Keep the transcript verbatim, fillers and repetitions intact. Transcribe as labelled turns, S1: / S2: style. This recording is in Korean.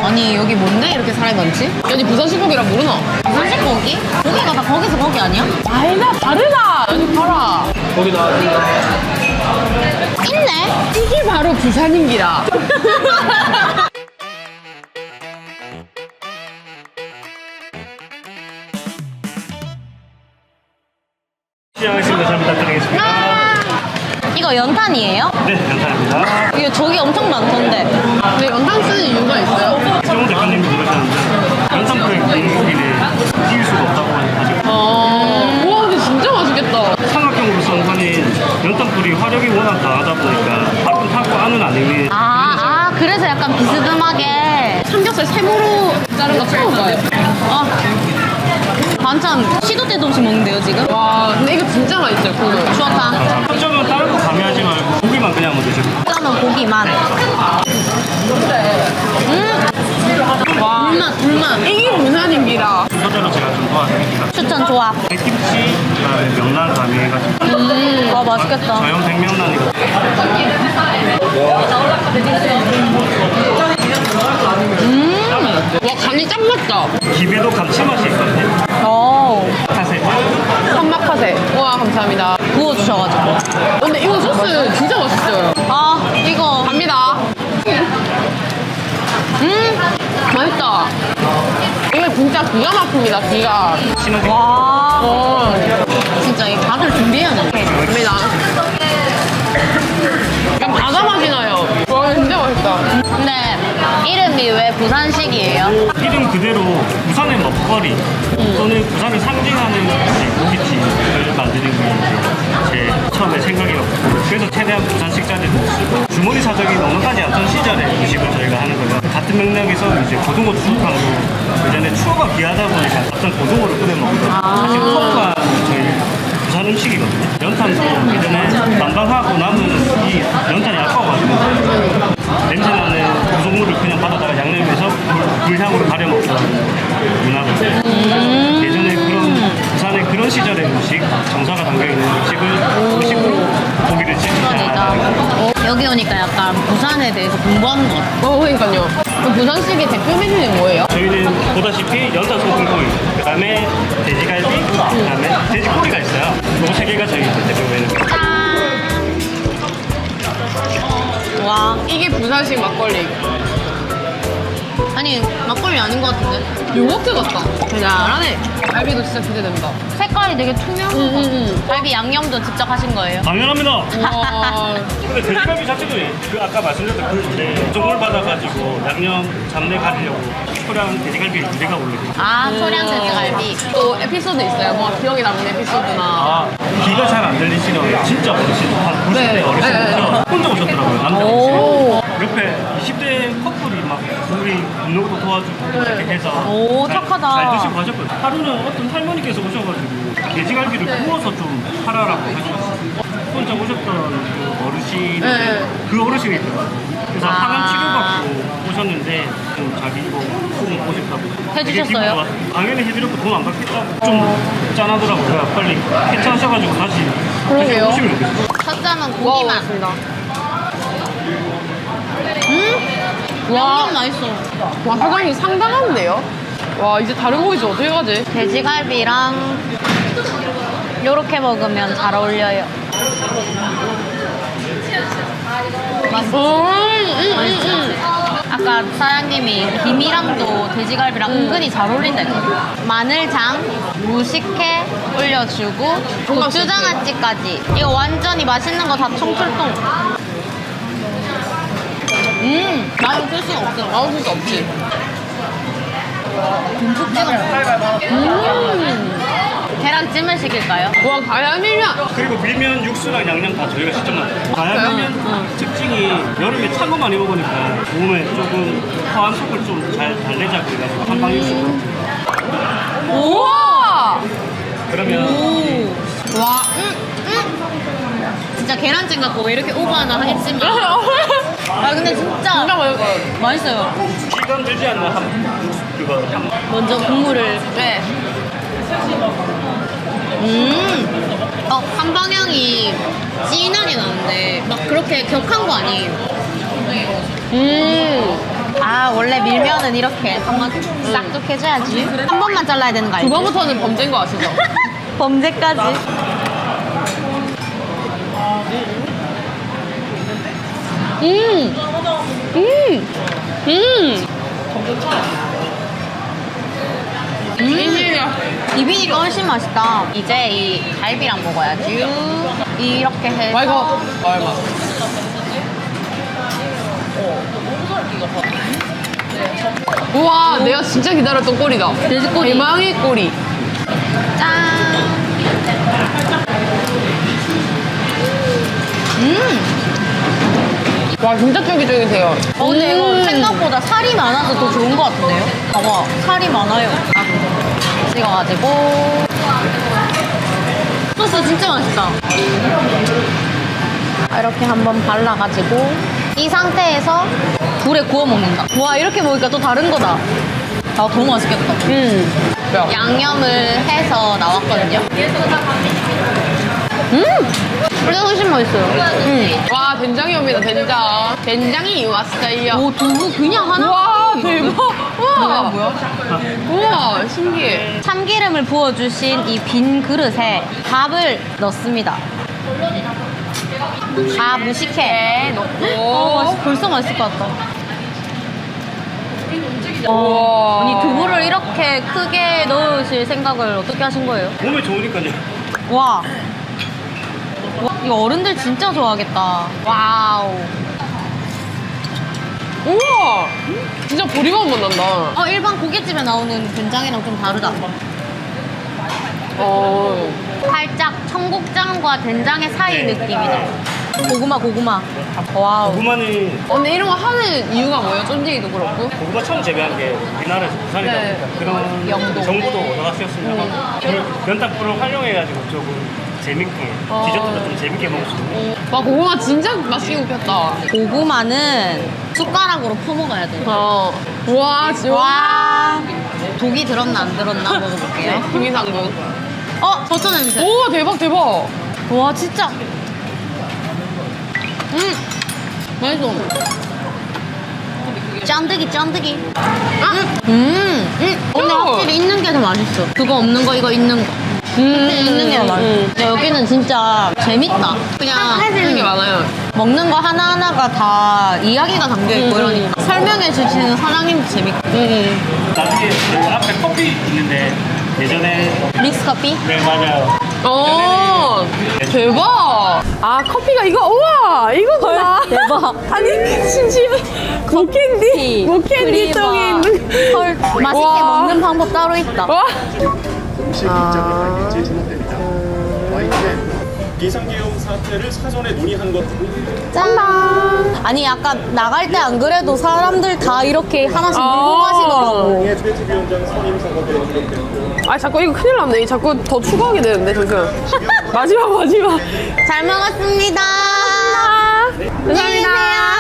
S1: 아니 여기 뭔데 이렇게 사람이 많지?
S2: 여기 부산시국이라 모르나?
S1: 부산식 고기? 고기가 다 거기서 거기 아니야?
S2: 아니다 다르다 여기 봐라
S3: 거기 나왔습니다.
S1: 있네?
S2: 이게 바로 부산인기라
S3: 시작하겠습니다. 잘 부탁드리겠습니다.
S1: 이거 연탄이에요?
S3: 네, 감사합니다.
S1: 이거 저기 엄청 많던데.
S2: 근데 연탄 쓰는 이유가 있어요?
S3: 최종 대표님이 그러셨는데 연탄불에 구운 고기를 띄울 수가 없다고 하시고
S2: 아... 우와 근데 진짜 맛있겠다
S3: 삼각형으로 썬 판인 연탄불이 화력이 워낙 강하다 보니까 밖은 타고 안은 안 익는
S1: 아, 아 그래서 약간 비스듬하게.
S2: 삼겹살 세모로 자른 거 처음 봐요
S1: 아, 반찬 시도 때도 없이 먹는데요 지금?
S2: 와 근데 이거 진짜 맛있어요 국물
S1: 추어탕.
S3: 한점은 다른 거 가미하지 말고 고기만 그냥 한번 드셔보세요.
S1: 짜면 고기만. 음. 와. 불맛 불맛.
S2: 이게 부산인기라
S3: 순서대로 제가 좀 도와드릴게요.
S1: 추천 좋아.
S3: 백김치, 그다음에 명란 가미해가지고
S1: 음. 와 맛있겠다.
S3: 저형 백명란이고
S1: 음.
S2: 와 간이 짱 맞다
S3: 김에도 감칠맛이 있거든요.
S1: 오.
S3: 사실
S2: 삼막파세 우와 감사합니다
S1: 구워 주셔가지고.
S2: 근데 이거 소스 진짜 맛있어요
S1: 아 이거.
S2: 갑니다
S1: 음.
S2: 맛있다 이게 진짜 기가 막힙니다 기가
S3: 신호등
S1: 와.
S2: 어
S1: 진짜 이 다들 준비해야 돼.
S2: 갑니다 약간 바다 맛이 나요 와 진짜 맛있다
S1: 근데 이름이 왜 부산식이에요?
S3: 이름 그대로 부산의 먹거리 또는 부산을 상징하는 음식, 고깃집을 만드는 게 이제 제 처음에 생각이었고 그래서 최대한 부산식 자리를 쓰고 주머니 사정이 넉넉하지 않던 시절에 음식을 저희가 하는 거예요. 같은 맥락에서 이제 고등어 추어탕도 예전에 추어가 귀하다 보니까 어떤 고등어를 끓여 먹고 사실 추어가 저희 부산 음식이거든요. 연탄도 예전에 난방하고 남은 이 연탄이 아까워가지고 냄새나는 구성물을 그냥 받아다가 양념해서 불, 불향으로 가려 먹던 문화거든요. 그래서 예전에 그런 부산의 그런 시절의 음식, 정사가 담겨있는 음식을 음식으로 고기를
S1: 그러니까.
S3: 찍자.
S1: 여기 오니까 약간 부산에 대해서 공부하는 것 같아.
S2: 어 그러니까요 그럼 부산식의 대표 메뉴는 뭐예요?
S3: 저희는 보다시피 연탄 소금구이, 그 다음에 돼지갈비, 그 다음에 돼지꼬리가 있어요. 이 세 개가 저희 대표 메뉴입니다.
S1: 짠! 와.
S2: 이게 부산식 막걸리
S1: 아니, 막걸리 아닌 것 같은데?
S2: 요거트 같다
S1: 대단하네.
S2: 갈비도 진짜 기대된다
S1: 색깔이 되게 투명한 것 같아.
S2: 응응응
S1: 갈비 양념도 직접 하신 거예요?
S3: 당연합니다.
S2: 와
S3: 근데 돼지갈비 자체도 그 아까 말씀드렸던 그인데 종을 받아가지고 양념 잡내 가리려고 초량 돼지갈비 두 개가 올려요.
S1: 아, 소량 돼지갈비.
S2: 또 에피소드 있어요? 뭐 기억에 남는 에피소드나
S3: 아, 귀가 잘 안 들리시는 진짜 어르신, 한 구십 대
S2: 네.
S3: 어르신분께서 혼자 오셨더라고요, 남자
S1: 오.
S3: 어르신. 옆에 이십 대 커플이 막 우리 운동도 도와주고 이렇게 해서
S1: 오,
S3: 잘-
S1: 착하다.
S3: 잘 드시고 가셨거든요. 하루는 어떤 할머니께서 오셔가지고 돼지갈비를 구워서 좀 팔아라고 하셨어요. 혼자 오셨던 그 어르신,
S2: 네.
S3: 그 어르신이 있더라고요. 그래서
S1: 아.
S3: 항암 치료받고 오셨는데 좀 자기 이거 꼭 먹고 싶다고 되게
S1: 해주셨어요?
S3: 기분 좋았어요. 당연히 해드렸고 돈 안 받겠다고 좀 짠하더라고요. 빨리 캐치하셔가지고 다시 다시
S2: 그러게요.
S3: 오시면 좋겠어요.
S1: 첫 잔은
S2: 와
S1: 고기만.
S2: 맞습니다
S1: 음?
S2: 와.
S1: 양념 맛있어.
S2: 와 사장님 상당한데요? 와 이제 다른 고기지 어떻게 가지?
S1: 돼지갈비랑 요렇게 먹으면 잘 어울려요. 맛있어.
S2: 음, 음,
S1: 맛있죠?
S2: 음,
S1: 아까 사장님이 김이랑도 돼지갈비랑 은근히 잘 어울린다 했거든. 마늘장, 무식회 올려주고 고추장아찌까지. 이거 완전히 맛있는 거 다 총출동. 음, 맛을 쓸 수가 없어.
S2: 음. 나올 수 없지
S1: 듬뿍 찍어. 음. 계란찜을 시킬까요?
S2: 와 가야밀면
S3: 그리고 밀면 육수랑 양념 다 저희가 직접 만들어요. 가야밀면 특징이 여름에 찬 거 많이 먹으니까 몸에 조금 화한 속을 좀 잘 달래자 그래가지고 한방 육수.
S2: 우와
S3: 그러면
S1: 오. 와, 음, 음. 진짜 계란찜 같고 왜 이렇게 오버하나 하겠지만. 아, 근데 진짜
S2: 진짜 맛있어요
S1: 맛있어요.
S3: 시간 들지 않는 한 육수 그거 한
S1: 먼저 국물을.
S2: 네
S1: 음. 어, 한방향이 진하게 나는데 막 그렇게 격한 거 아니에요.
S2: 음.
S1: 아 원래 밀면은 이렇게 한번 싹둑 해줘야지. 한 번만 잘라야 되는 거 알지?
S2: 두 번부터는 범죄인 거 아시죠?
S1: 범죄까지.
S2: 음! 음! 음! 비밀이야.
S1: 비비니까 훨씬 맛있다. 이제 이 갈비랑 먹어야지. 이렇게 해서.
S2: 와, 이거. 와, 이거. 우와, 내가 진짜 기다렸던 꼬리다.
S1: 돼지꼬리.
S2: 대망의 꼬리.
S1: 짠. 음.
S2: 와, 진짜 쫄깃쫄깃해요.
S1: 어, 근데 이거
S2: 음.
S1: 생각보다 살이 많아서 더 좋은 것 같은데요? 봐봐, 살이 많아요. 아, 찍어가지고. 소스 진짜 맛있다. 이렇게 한번 발라가지고 이 상태에서 불에 구워 먹는다. 와, 이렇게 먹으니까 또 다른 거다. 아, 너무 맛있겠다.
S2: 음. 야.
S1: 양념을 해서 나왔거든요. 음! 원래 훨씬 맛있어요. 음.
S2: 와, 된장이 옵니다, 된장. 된장이 왔어요.
S1: 오, 두부 그냥 하나?
S2: 와, 대박. 우와.
S1: 뭐야?
S2: 우와, 신기해.
S1: 참기름을 부어주신 이 빈 그릇에 밥을 넣습니다. 다 무식해.
S2: 넣고.
S1: 어, 맛있, 벌써 맛있을 것 같다.
S2: 우와.
S1: 아니, 두부를 이렇게 크게 넣으실 생각을 어떻게 하신 거예요?
S3: 몸에 좋으니까요.
S1: 와. 와, 이거 어른들 진짜 좋아하겠다. 와우.
S2: 우와. 진짜 보리밥 맛 난다.
S1: 어, 일반 고깃집에 나오는 된장이랑 좀 다르다.
S2: 어.
S1: 살짝 청국장과 된장의 사이 느낌이다. 고구마, 고구마. 와우.
S3: 고구마는
S2: 어, 근데 이런 거 하는 이유가 뭐예요? 쫀디기도 그렇고.
S3: 고구마 처음 재배한 게 우리나라에서 부산이다
S2: 네.
S3: 보니까 그런
S1: 영도.
S3: 정보도 얻어가 쓰였습니다. 그 연탄불을 활용해가지고 조금 재밌게
S2: 어.
S3: 디저트도 좀 재밌게 먹을 수 있는.
S2: 와, 고구마 진짜 맛있게 굽혔다.
S1: 고구마는 숟가락으로 퍼먹어야 돼.
S2: 어. 우와, 진짜.
S1: 와. 독이 들었나 안 들었나 먹어볼게요.
S2: 김이상군.
S1: 어, 버터 냄새.
S2: 오, 대박, 대박.
S1: 와, 진짜. 음,
S2: 맛있어.
S1: 짠득이, 짠득이.
S2: 아?
S1: 음, 음. 근데
S2: 어.
S1: 확실히 있는 게 더 맛있어. 그거 없는 거, 이거 있는 거.
S2: 음,
S1: 있는 게 더 맛있어.
S2: 음.
S1: 근데 여기는 진짜 재밌다. 그냥
S2: 해지는 게
S1: 음,
S2: 많아요.
S1: 먹는 거 하나하나가 다 이야기가 담겨있고
S2: 음,
S1: 이러니까. 설명해 주시는 사장님도 재밌고.
S2: 음.
S3: 나중에 그 앞에 커피 있는데 예전에
S1: 믹스 커피?
S3: 네 맞아요.
S2: 어, 대박. 아, 커피가 이거, 우와, 이거구나.
S1: 대박.
S2: 아니, 심지어 목캔디, 목캔디 통에 있는.
S1: 헐, 맛있게
S2: 와.
S1: 먹는 방법 따로 있다.
S2: 와.
S4: 음식 입장에 이제 진행됩니다. 와인은 비상계엄 사태를 사전에 논의한 것
S1: 짠! 아니, 아까 나갈 때 안 그래도 사람들 다 이렇게 하나씩 물고
S2: 아.
S1: 마시더라고.
S4: 의 트위트위원장 선임 선거가 기록됐고요.
S2: 아, 자꾸 이거 큰일 났네. 자꾸 더 추가하게 되는데, 잠시만. 마지막, 마지막.
S1: 잘 먹었습니다.
S2: 감사합니다.
S1: 안녕히 계세요.